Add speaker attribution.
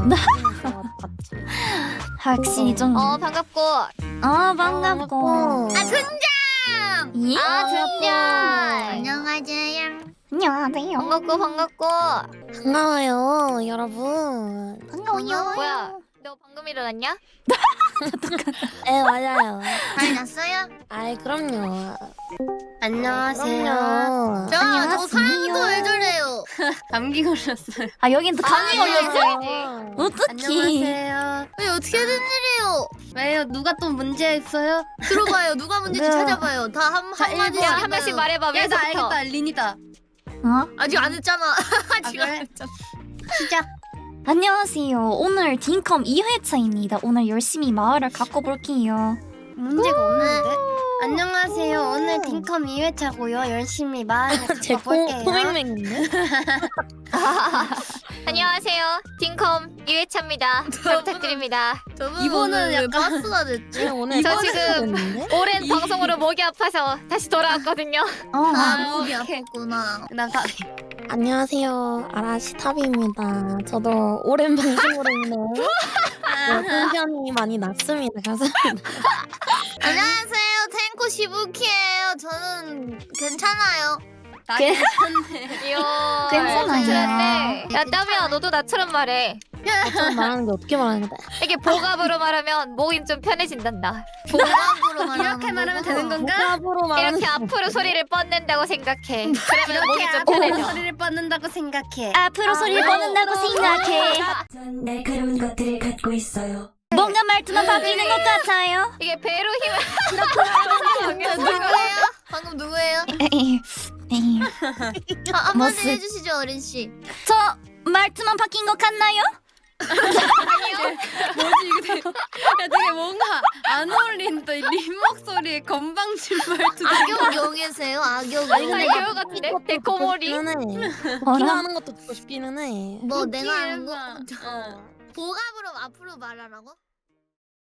Speaker 1: 확실히 좀.
Speaker 2: 반갑고.
Speaker 1: 반갑고.
Speaker 2: 등장!
Speaker 1: 예?
Speaker 2: 등장!
Speaker 3: 안녕하세요.
Speaker 1: 안녕하세요.
Speaker 2: 반갑고.
Speaker 3: 반가워요, 여러분.
Speaker 1: 반가워요.
Speaker 2: 뭐야? 너 방금 일어났냐?
Speaker 3: 네, 맞아요.
Speaker 2: 잘 잤어요?
Speaker 3: 아이, 그럼요.
Speaker 2: 안녕하세요.
Speaker 3: 그럼요.
Speaker 2: 저 사람도 왜 저래요?
Speaker 4: 감기 걸렸어요.
Speaker 1: 아 여긴 또 감기 걸렸어?
Speaker 2: 걸렸어?
Speaker 1: 어떡해.
Speaker 4: 안녕하세요.
Speaker 2: 왜 어떻게 된 일이에요?
Speaker 4: 왜요? 누가 또 문제 있어요?
Speaker 2: 들어봐요. 누가 문제인지
Speaker 1: 네.
Speaker 2: 찾아봐요. 다 한마디씩
Speaker 4: 한
Speaker 2: 명씩 말해봐.
Speaker 4: 야, 나
Speaker 2: 위에서부터.
Speaker 4: 알겠다. 린이다.
Speaker 1: 어?
Speaker 2: 아직 안 했잖아. 아직 안
Speaker 4: 그래?
Speaker 2: 했잖아.
Speaker 4: 시작.
Speaker 1: 안녕하세요. 오늘 딩컴 2회차입니다. 오늘 열심히 마을을 가꿔볼게요.
Speaker 4: 문제가 없는데? 안녕하세요. 오늘 딩컴 2회차고요. 열심히 마을
Speaker 3: 제
Speaker 4: 가볼게요.
Speaker 3: 포맹맹인데?
Speaker 2: 안녕하세요. 딩컴 2회차입니다. 잘 부탁드립니다.
Speaker 4: 이번은
Speaker 2: 왜
Speaker 4: 약간-
Speaker 2: 바스가 됐지?
Speaker 3: 오늘
Speaker 2: 저
Speaker 3: 버스가
Speaker 2: 지금
Speaker 3: 됐는데?
Speaker 2: 오랜 방송으로 목이 아파서 다시 돌아왔거든요. 목이
Speaker 4: 오케이.
Speaker 2: 아팠구나.
Speaker 4: 나 가.
Speaker 3: 안녕하세요. 아라시탑입니다. 저도 오랜 방송으로 인해 텐션이 많이 낮습니다. 감사합니다.
Speaker 2: 안녕하세요. 탱코 시부키예요. 저는 괜찮아요.
Speaker 4: 나
Speaker 1: 걔-
Speaker 4: 괜찮네.
Speaker 2: 이야.
Speaker 1: 괜찮아요.
Speaker 2: 야, 땀이야. 너도 나처럼 말해.
Speaker 3: 어쩌면 말하는 게 어떻게 말하는 거야?
Speaker 2: 이게 보갑으로 말하면 목이 좀 편해진단다.
Speaker 3: 보갑으로
Speaker 4: 이렇게 말하면 되는 건가?
Speaker 3: 보갑으로 말하는
Speaker 2: 이렇게 앞으로 소리를 뻗는다고 생각해. 그러면 목이 좀
Speaker 4: 앞으로
Speaker 2: 편해져.
Speaker 4: 소리를 뻗는다고 생각해.
Speaker 1: 앞으로 소리를 뻗는다고 생각해.
Speaker 5: 전 날카로운 것들을 갖고 있어요.
Speaker 1: 뭔가 말투만 바뀌는 것 같아요.
Speaker 2: 이게 배로 힘을 누구예요? 방금 누구예요? 한마디
Speaker 1: 머스.
Speaker 2: 해주시죠, 어린 씨.
Speaker 1: 저 말투만 바뀐 것 같나요?
Speaker 4: 뭐지 이게? 야 되게 뭔가 안 어울린다. 이 린 목소리에 건방진 말투.
Speaker 2: 악역용이세요? 악역용. 악역 같은데? 데코모리?
Speaker 1: 뭐라?
Speaker 3: 네가 하는 것도 듣고 싶기는 해.
Speaker 2: 뭐 내가 하는 거?
Speaker 4: 어.
Speaker 2: 보갑으로 앞으로 말하라고?